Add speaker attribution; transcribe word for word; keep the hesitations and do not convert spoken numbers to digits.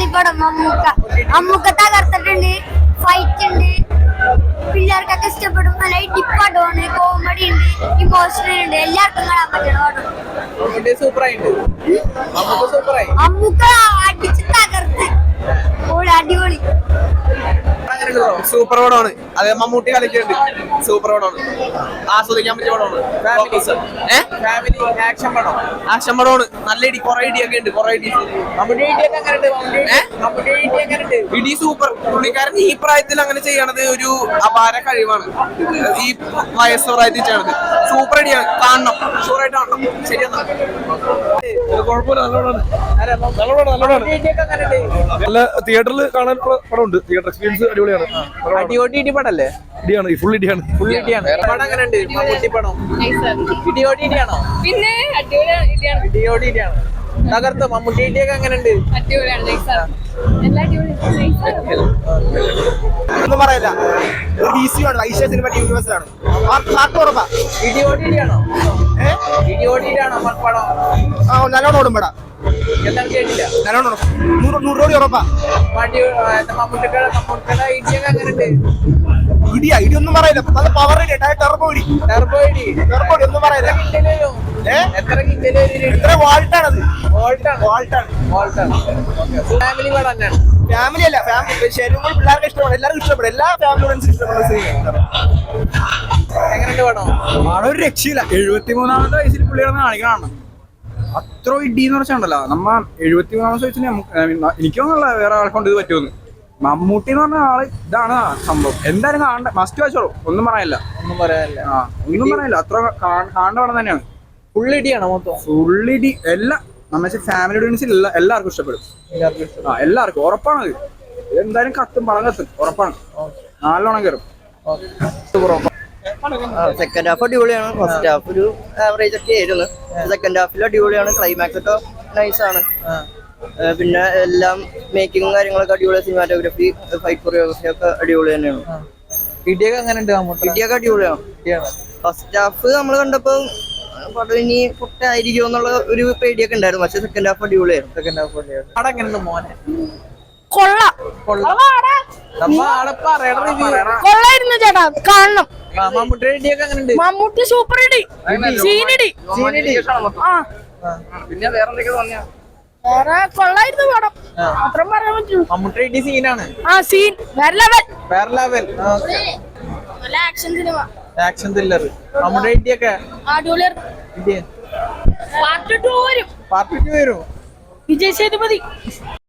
Speaker 1: പൊളിപ്പടം മമ്മൂക്ക മമ്മൂക്ക തകർത്തിട്ടുണ്ട്. ഫൈറ്റ് ഉണ്ട്, പിള്ളേർക്കൊക്കെ ഇഷ്ടപ്പെടും. നല്ല ഡിപ്പാട്ടമാണ്, കോമഡി ഉണ്ട്, ഇമോഷണൽ ഉണ്ട്, എല്ലാവർക്കും കാണാൻ പറ്റണം. മമ്മൂക്ക അടിച്ച് തകർത്ത് അടിപൊളി
Speaker 2: സൂപ്പർ പടമാണ്. അതെ, മമ്മൂട്ടി കളിക്കുന്നുണ്ട്. സൂപ്പർ പടമാണ്, ആസ്വദിക്കാൻ പറ്റിയ പടമാണ്. ആക്ഷൻ പടമാണ്. നല്ല ഇടി, കുറെ ഇടിയൊക്കെ ഉണ്ട്. കുറെ ഇടി ഇടി സൂപ്പർ. പുള്ളിക്കാരൻ ഈ പ്രായത്തിൽ അങ്ങനെ ചെയ്യണത് ഒരു അപാര കഴിവാണ്. ഈ വയസ്സ് പ്രായത്തിൽ ചെയ്യണത് സൂപ്പർ ഇടിയാണ്. കാണണം, ഷുവറായിട്ട് കാണണം. ശരിയെന്നാ
Speaker 3: നല്ല തിയേറ്ററിൽ കാണാനുള്ള പടമുണ്ട്. തിയേറ്റർ എക്സ്പീരിയൻസ് അടിപൊളിയാണ്.
Speaker 2: പടല്ലേ?
Speaker 3: ഇടിയാണ്, ഫുൾ ഇടിയാണ്.
Speaker 2: ഫുൾ ഇടിയാണ്. പടം എങ്ങനെയുണ്ട്? മമ്മൂട്ടി പടം ഇടിയോടി ഇടിയാണോ?
Speaker 4: പിന്നെ
Speaker 2: ഇടിയോടി ഇടിയാണ്. തകർത്ത് മമ്മൂട്ടി ഇടിയൊക്കെ എങ്ങനെയുണ്ട്?
Speaker 5: ഒന്നും പറയില്ല. സിനിമ യൂണിവേഴ്സാണ്.
Speaker 2: ഇടിയോടി ഇടിയാണോ? ഇടിയോടി ഇടിയാണോ പടം?
Speaker 5: നല്ലോണം ഓടും പടാ.
Speaker 2: എന്താണ് കേട്ടില്ല?
Speaker 5: നല്ലോണം നൂറ് നൂറ് കോടി ഉറപ്പാ.
Speaker 2: മമ്മൂട്ടിയുടെ മമ്മൂട്ടിയുടെ ഇടിയൊക്കെ എങ്ങനെയുണ്ട്?
Speaker 5: ഇടിയാ, ഇടിയൊന്നും പറയില്ല. നല്ല പവർ ഇടി, ടെർബോ ഇടി.
Speaker 2: ടെർബോ ഇടി.
Speaker 5: ടെർബോ ഇടി ഒന്നും പറയില്ല.
Speaker 2: എത്ര കിലോ?
Speaker 5: എത്ര വാൾട്ടാണത്?
Speaker 2: വാൾട്ടാണ്.
Speaker 5: വാൾട്ടാണ്.
Speaker 2: വാൾട്ടാണ്. ഫാമിലി പടം തന്നെയാണ്.
Speaker 5: ഫാമിലി അല്ല, ഫാമിലി ശരിക്കും പിള്ളേർക്ക് ഇഷ്ടപ്പെടും. എല്ലാവർക്കും ഇഷ്ടപ്പെടും. എല്ലാ ഫാമിലിയോടും ഇഷ്ടപ്പെടുന്ന സിനിമ.
Speaker 2: എങ്ങനെയുണ്ട് പടം?
Speaker 6: പടം ഒരു രക്ഷയില്ല. എഴുപത്തി മൂന്നാമത്തെ വയസ്സിൽ പുള്ളികളെ കാണിക്കണം. അത്ര ഇടി എന്ന് വെച്ചാണ്ടല്ലോ, നമ്മ എഴുപത്തി മൂന്നാമത്തെ വയസ്സിന് എനിക്കൊന്നുള്ള വേറെ ആൾക്കൊണ്ട് ഇത് പറ്റുമെന്ന്. മമ്മൂട്ടി എന്ന് പറഞ്ഞ ആള് ഇതാണ് സംഭവം. എന്തായാലും കാണണ്ട, മസ്റ്റ് വാച്ചോളൂ. ഒന്നും പറയാനില്ല.
Speaker 2: ഒന്നും പറയാനില്ല.
Speaker 6: ആ ഒന്നും പറയാനില്ല. അത്ര കാണേണ്ട പടം തന്നെയാണ്.
Speaker 2: ഫുള്ളിടിയാണോ മൊത്തം?
Speaker 6: ഫുള്ളിടി. എല്ലാം നമ്മ ഫാമിലി ഓഡിയൻസിൽ എല്ലാവർക്കും ഇഷ്ടപ്പെടും. ആ എല്ലാവർക്കും ഉറപ്പാണത്. എന്തായാലും കത്തും, പടം കത്തും, ഉറപ്പാണ്. നല്ലോണം കയറും.
Speaker 7: സെക്കൻഡ് ഹാഫ് അടിപൊളിയാണ്. ഫസ്റ്റ് ഹാഫ് ഒരു ആവറേജ് ഒക്കെ ആയിരുന്നു. സെക്കൻഡ് ഹാഫിൽ അടിപൊളിയാണ്. ക്ലൈമാക്സ് ഒക്കെ നൈസാണ്. പിന്നെ എല്ലാം മേക്കിങ്ങും കാര്യങ്ങളൊക്കെ അടിപൊളിയാണ്. സിനിമാറ്റോഗ്രാഫി, ഫൈറ്റ് കൊറിയോഗ്രഫി ഒക്കെ അടിപൊളി തന്നെയാണ്.
Speaker 2: ഇടിയൊക്കെ എങ്ങനെയുണ്ട്?
Speaker 7: ഇടിയൊക്കെ അടിപൊളിയാണ്. ഫസ്റ്റ് ഹാഫ് നമ്മൾ കണ്ടപ്പോ പടം ഇനി പൊട്ടായിരിക്കും എന്നുള്ള ഒരു പേടിയൊക്കെ ഉണ്ടായിരുന്നു. പക്ഷെ സെക്കൻഡ് ഹാഫ് അടിപൊളിയായിരുന്നു.
Speaker 2: സെക്കൻഡ് ഹാഫ് പടം എങ്ങനെയുണ്ട് മോനെ?
Speaker 1: കൊള്ളാം. കൊള്ളായിരുന്നു ചേട്ടാ, കാണണം.
Speaker 2: മമ്മൂട്ടിയുടെ ഇടിയൊക്കെ എങ്ങനെയുണ്ട്?
Speaker 1: മമ്മൂട്ടി സൂപ്പർ ഇടി, സീനിടി.
Speaker 2: പിന്നെ വേറെ എന്തൊക്കെ തോന്നിയാ?
Speaker 1: വേറെ കൊള്ളായിരുന്നു പടം, മാത്രം പറയാൻ പറ്റുള്ളൂ.
Speaker 2: മമ്മൂട്ടിയുടെ ഇടി സീനാണ്.
Speaker 1: ആ സീൻ വേറെ ലെവൽ.
Speaker 2: വേറെ ലെവൽ.
Speaker 1: നല്ല ആക്ഷൻ സിനിമ,
Speaker 2: ആക്ഷൻ ത്രില്ലർ. മമ്മൂട്ടിയുടെ ഇടിയൊക്കെ
Speaker 1: അടിപൊളിയായിരുന്നു.
Speaker 2: ഇടി
Speaker 1: പാർട്ട് ടു വരും.
Speaker 2: പാർട്ട് ടു വരും.
Speaker 1: വിജയ് സേതുപതി.